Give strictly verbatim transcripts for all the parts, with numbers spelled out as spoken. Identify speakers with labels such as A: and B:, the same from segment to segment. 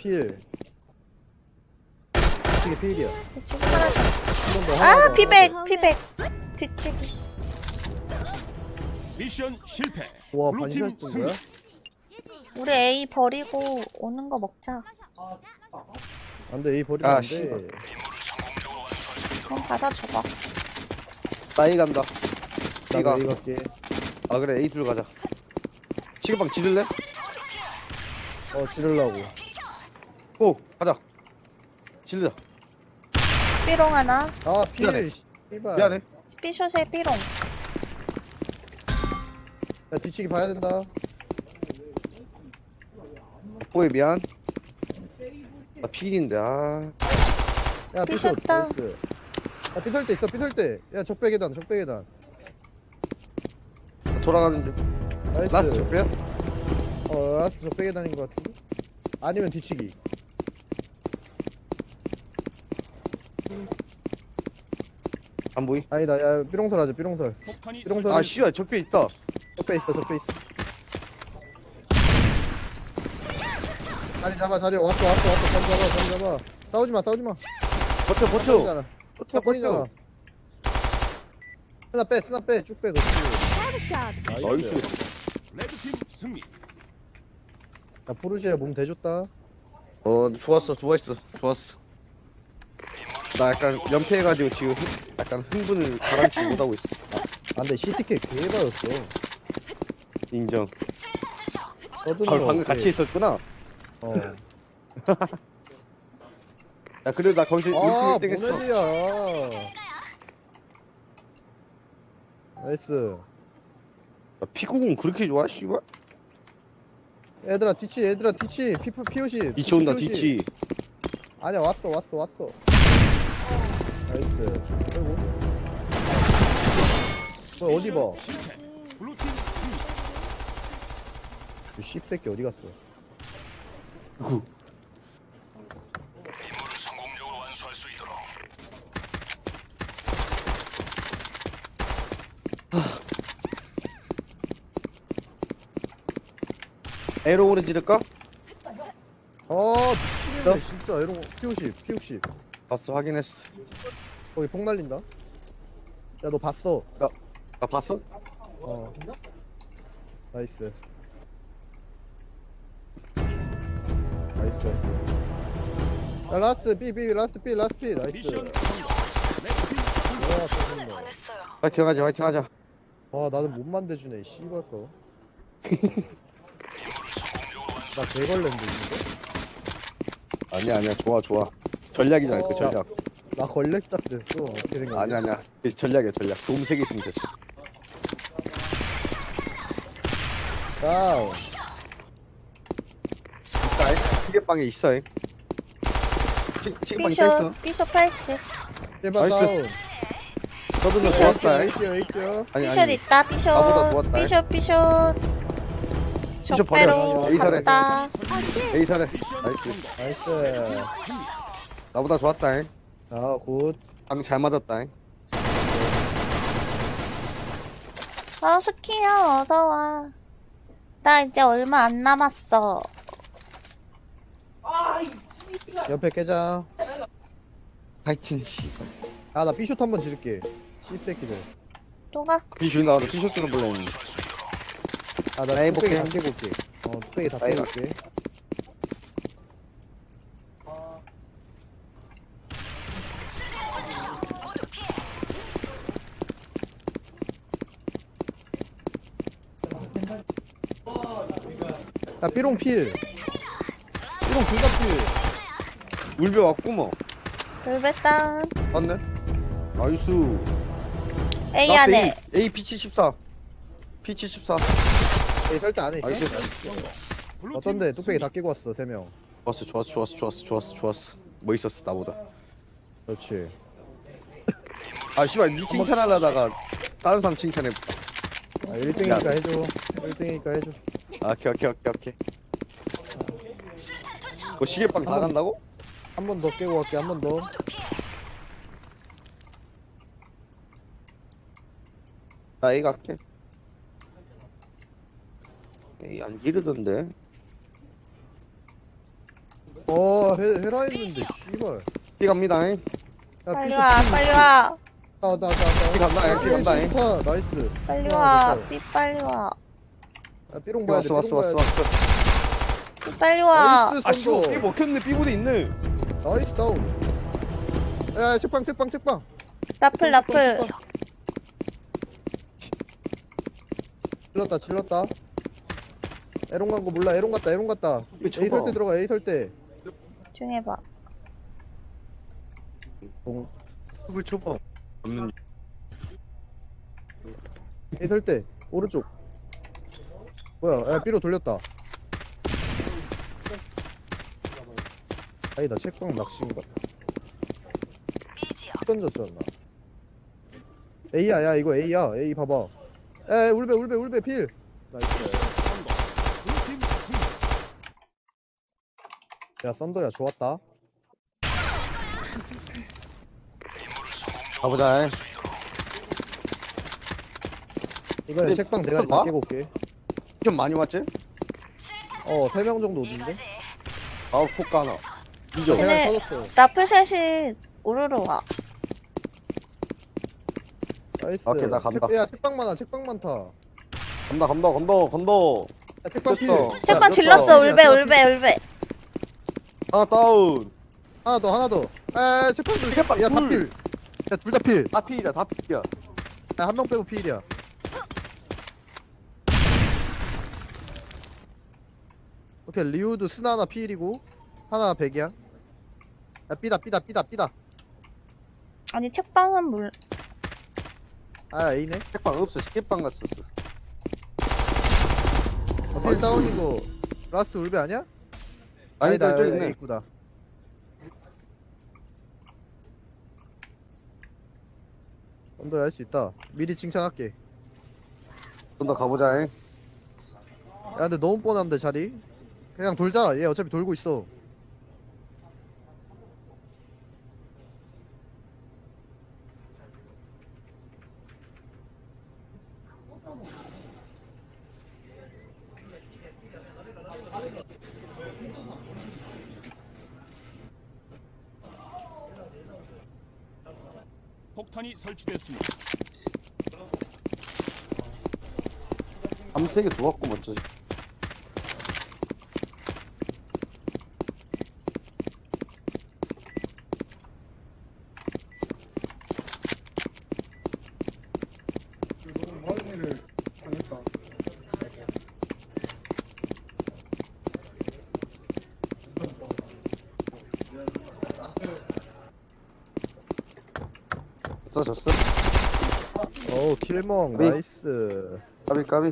A: 필. 뒤치기 필이야.
B: 지금 하나 더.
A: 한 번 더.
B: 아, 피백, 피백. 뒤치기.
C: 미션 실패.
A: 와,
C: 블루팀
A: 반샷 뜬
C: 승리.
A: 거야?
B: 우리 A 버리고 오는 거 먹자.
A: 안 돼, A 버리면
D: 아,
A: 안
D: 씨발.
A: 돼.
B: 그럼 가서 죽어.
D: 나 A 간다.
A: 나도
D: B가.
A: A 갈게.
D: 아 그래 A 둘 가자. 시계방 지를래?
A: 어, 지르려고.
D: 오 가자. 지르자.
B: 삐롱 하나.
A: 아,
D: 미안해.
A: 필. 씨발.
D: 미안해.
B: 삐숏에 삐롱.
A: 야, 뒤치기 봐야 된다.
D: 뽀에 미안. 나 필인데 아.
A: 야, 삐설.
B: 삐졌다.
A: 나이스. 야, 삐설 때 있어, 삐설 때. 야, 적배 계단, 적배 계단.
D: 돌아가는 중.
A: 나이스.
D: 라스트 적배야?
A: 어, 라스트 적배 계단인 것 같은데? 아니면 뒤치기.
D: 안 보이?
A: 아니다, 야, 삐롱설 하자, 삐롱설.
C: 폭탄이
A: 삐롱설.
D: 아 씨야 적배 있다.
A: 적배 있어, 적배 있어. 자리 잡아, 자리 왔어, 왔어, 왔어. 자리 잡아, 자리 잡아. 싸우지 마, 싸우지 마.
D: 버텨 버텨.
A: 싸우잖아.
D: 버텨
A: 버리잖아.
D: 버텨.
A: 스나 빼, 스나 빼, 쭉 빼, 그렇지.
D: 나이스.
C: 레드팀 승리.
A: 야, 포르쉐 몸 대줬다.
D: 어 좋았어 좋았어 좋았어. 나 약간 연패해가지고 지금 흥- 약간 흥분을 가라앉히지 못하고 있어.
A: 아, 근데 시티케 개바였어.
D: 인정.
A: 떠드는
D: 아,
A: 거
D: 방금
A: 어때?
D: 같이 있었구나.
A: 어.
D: 야 그래도 나 거기서
A: 아,
D: 일 등 했어.
A: 모네드야. 나이스.
D: 야, 피구공 그렇게 좋아 씨발?
A: 얘들아, 뒤치, 얘들아, 뒤치. 피, 피오십.
D: 뒤치 온다 뒤치.
A: 아니야, 왔어, 왔어, 왔어. 나이스. 아이고. 너 어디 봐?
C: 블루팀 승리.
A: 이 씹새끼 어디 갔어?
D: 구. 에로 오래 지를까?
A: 아, 미치겠네, 진짜. 이런 거. 피오십, 피오십.
D: 봤어 확인했어.
A: 거기 폭 날린다. 야, 너 봤어.
D: 나 봤어?
A: 어. 나이스. 나이스. 야, 라스트 B, B, 라스트 B, 라스트 B. 나이스.
C: 미션 성공. 레드팀 승리.
A: 와, 짜증나.
D: 화이팅 하자 화이팅 하자.
A: 와, 나는 못 만대주네, 씨발 거. 나 개걸렌데, 이거?
D: 아니야 아니야 좋아 좋아. 전략이잖아 그
A: 어.
D: 전략.
A: 나 걸렉작 됐어. 어떻게 생각해?
D: 아니야 아니야 그 전략이야 전략. 도움 세개 있으면 됐어.
A: 다운.
D: 있다 시계방에 있어. 잉. 시- 시계방에 서 있어.
B: 삐숏, 삐숏 팔십.
A: 제발
D: 나이스.
A: 다운.
D: 저분도 좋았다. 잉.
A: 에이티요, 에이티요.
D: 아니
B: 삐숏
D: 아니
B: 있다,
D: 나보다
B: 삐숏.
D: 좋았다.
B: 삐숏, 삐숏.
D: 삐숏 버려.
B: 적배로
D: 에이 사례.
B: 갔다.
D: 에이 사례.
C: 미션
D: 나이스.
A: 나이스.
D: 나보다 좋았다. 잉.
A: 아, 굿.
D: 방 잘 맞았다. 잉.
B: 어, 스키야, 어서와. 나 이제 얼마 안 남았어.
A: 옆에 깨자.
D: 파이팅 씨.
A: 아, 나 B쇼트 한번 지를게. 씹새끼들.
B: 또 가?
D: 비주 나와서 티셔츠는 볼래 했는데.
A: 아, 나
D: 나이
A: 뚝배기 다
D: 볼게.
A: 깨고 올게. 어, 뚝배기 다
D: 나이
A: 깨고 올게. 야, 삐롱 필. 삐롱 둘다 필.
D: 울베 왔고 뭐.
B: 돌배땅.
D: 맞네. 나이스.
B: A
D: 라스트
B: 안에.
D: A, A 피치 십사. 피치 십사.
A: 에이, 설대 안에 있어.
D: 나이스.
C: 블루팀
A: 어떤데? 뚝배기
C: 승리.
A: 다 깨고 왔어, 세 명.
D: 좋았어 좋았어 좋았어 좋았어 좋았어 좋았어. 뭐 있었어 나보다.
A: 그렇지.
D: 아 씨발 니 칭찬하려다가 다른 사람 칭찬해.
A: 아, 일 등이니까 해줘. 일 등이니까 해줘.
D: 아 오케이 오케이 오케이 오케이. 뭐 시계방 다 간다고?
A: 한 번 더 깨고 갈게, 한 번 더.
D: 나 A 갈게. A 안 기르던데.
A: 어 해, 해라 했는데 씨발.
D: 삐 갑니다. 잉.
A: 야,
B: 빨리
A: 피셔,
B: 와,
A: 피,
B: 빨리
A: 피.
B: 와,
A: 나, 나, 나, 나.
D: 피 간다, 야, 피 간다, 잉.
A: 좋다, 나이스.
B: 빨리
A: 야,
B: 와,
A: 됐다.
B: 삐 빨리 와,
A: 야, 삐롱 봐야 돼.
D: 왔어 왔어
A: 삐롱
D: 왔어
A: 봐야 돼.
D: 왔어.
B: 삐 빨리 와.
A: 나이스,
D: 아 씨발
A: 선도.
D: 삐 먹혔네. 삐부대 있네.
A: 나이스 다운. 야, 야, 책방, 책방, 책방.
B: 라플, 라플.
A: 질렀다, 질렀다. 에롱 간 거 몰라. 에롱 갔다, 에롱 갔다.
D: 이거
A: A
D: 쳐봐.
A: 설때 들어가, A 설때.
B: 조용히 해봐.
A: 동.
D: 을 쳐봐. 없는.
A: A 설때. 오른쪽. 뭐야? 야, B로 돌렸다. 아니다, 책방 낚시인 것 같아. 던졌잖아. A야, 야, 이거 A야. A 봐봐. 에, 울베, 울베, 울베, 필. 나이스.
C: 블루팀 승리.
A: 야, 썬더야, 좋았다.
D: 가보자. 잉.
A: 이번에
D: 근데
A: 책방 내가
D: 봐?
A: 깨고 올게.
D: 좀 많이 왔지?
A: 어, 세 명 정도 오던데?
D: 아우 폭가 하나. 이죠.
B: 근데-
A: 그냥 터졌어.
B: 라플 셋이 우르르 와.
A: 나이스.
D: 오케이, 나 간다.
A: 책, 야, 책방 많아, 책방 많다. 야,
D: 간다 간다 간다 간다.
A: 책방 필.
D: 됐어.
B: 책방
D: 야,
B: 질렀어,
D: 됐어.
B: 울베, 울베, 울베.
D: 하나 다운.
A: 하나 더, 하나 더. 에, 책방 둘.
D: 책방
A: 야, 다
D: 둘.
A: 필. 야, 둘 다 필.
D: 다 피이야 다 피야.
A: 야, 한 명 빼고 필이야. 오케이, 리우드 스나 하나 필이고, 하나 백이야. 야, 삐다, 삐다, 삐다, 삐다.
B: 아니, 책방은 몰,
A: 아, A네.
D: 책방 없어. 스킵방 갔었어.
A: 어, 필 다운이고, 라스트 울베 아니야?
D: 아니다 저기
A: A
D: 있네.
A: 구다. 언더 할 수 있다. 미리 칭찬할게.
D: 좀 더 가보자. 잉.
A: 야, 근데 너무 뻔한데 자리. 그냥 돌자. 얘 어차피 돌고 있어.
C: 폭탄이 설치됐습니다.
D: 밤세개 도왔고 먼저. 졌어.
A: 어우, 킬멍.
D: 네.
A: 나이스.
D: 까비 까비.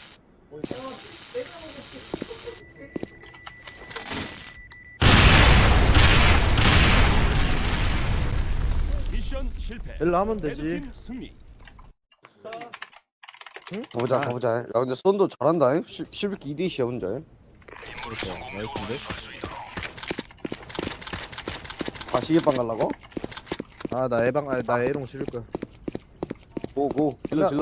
C: 미션 실패.
A: 일로 하면 되지.
C: 레드팀 승리.
A: 응?
D: 가보자
A: 아,
D: 가보자. 야 근데 썬도 잘한다. 잉. 십- 십일기 이 대 이야 혼자. 잉.
A: 그러니까, 나이스인데?
D: 아 시계방 갈라고?
A: 아, 나 에방, 아, 나 에롱 지를 거야.
D: 고고 질러
A: 야.
D: 질러.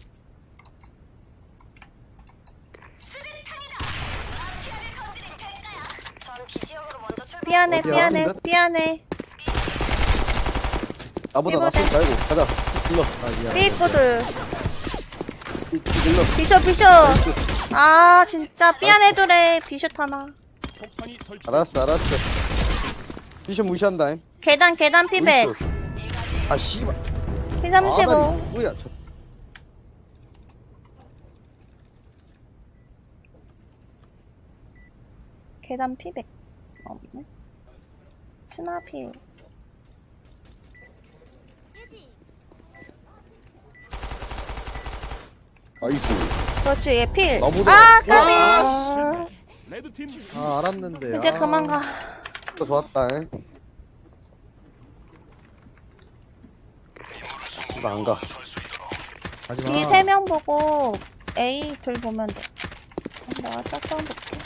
B: 삐안해,
A: 어디야?
B: 삐안해,
D: 어딘데?
B: 삐안해.
D: 나보다
B: 이거다.
D: 낫지 말고 가자. 질러.
A: 아, 미안.
B: 삐꾸들.
D: 질러.
B: 비셔, 비셔. 아, 진짜 삐안해두래. 비슛 하나.
C: 폭탄이 설치.
D: 알았어 알았어. 미션 무시한다. 잉.
B: 계단, 계단 피백.
D: 어딨어? 아 씨발.
B: 피 삼십오.
D: 아, 나 누구야? 저-
B: 계단 피백. 없네. 스나필.
D: 아이고.
B: 그렇지, 얘 필.
D: 나보다-
B: 아, 까비.
D: 아,
C: 레드팀 승리.
A: 아, 알았는데.
B: 이제
A: 아.
B: 그만 가.
D: 진짜 좋았다. 잉. 이거 안 가.
A: 가지 마.
B: B 세 명 보고 A 둘 보면 돼. 내가 짝방 볼게.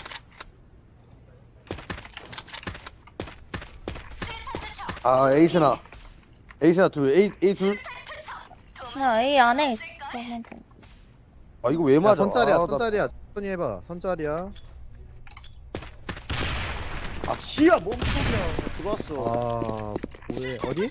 D: 아 에이스나. 에이스나 둘. A A 둘.
B: 그냥 A 안에 있으면 돼.
D: 아 이거 왜
A: 야,
D: 맞아?
A: 선짜리야,
D: 아, 나-
A: 선짜리야. 천천히 해봐. 선짜리야.
D: 아 씨야 몸속이야. 들어왔어.
A: 아 뭐해 어디?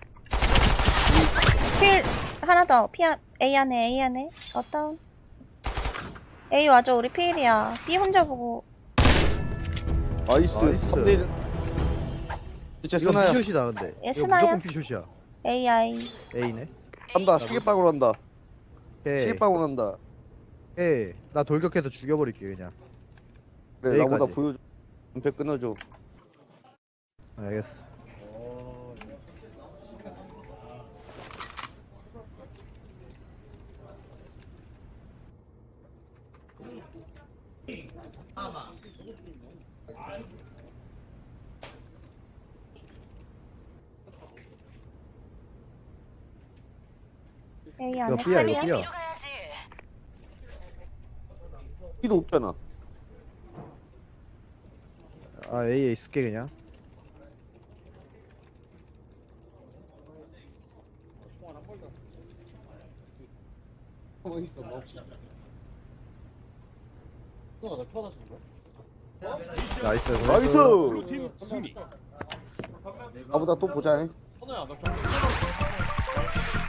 B: 필 하나 더. 피 안, A 안에 A 안에. 어다운. A 와줘. 우리 필이야. B 혼자 보고.
D: 나이스.
A: 나이스.
D: 삼 대 일. 진짜
A: 이거
D: 스나야.
A: 피숏이다 근데
B: 얘
A: 이거
B: 스나야?
A: 무조건 피숏이야
B: A I.
A: A네
D: 한다. 시계빵으로 한다.
A: 오케이
D: 시계빵으로 한다.
A: 오케이 나 돌격해서 죽여버릴게 그냥
D: 그래
A: 여기까지.
D: 나보다 보여줘. 은폐 끊어줘.
A: 알겠어
B: A
A: 이거
B: 안에
A: B야 이거
B: 칼이야.
A: B야
D: 피도 없잖아.
A: 아 A에 있을게 그냥 나이스
D: 나이스.
C: 블루팀 승리.
D: 나보다 또 보자.
E: 선우야 너 경기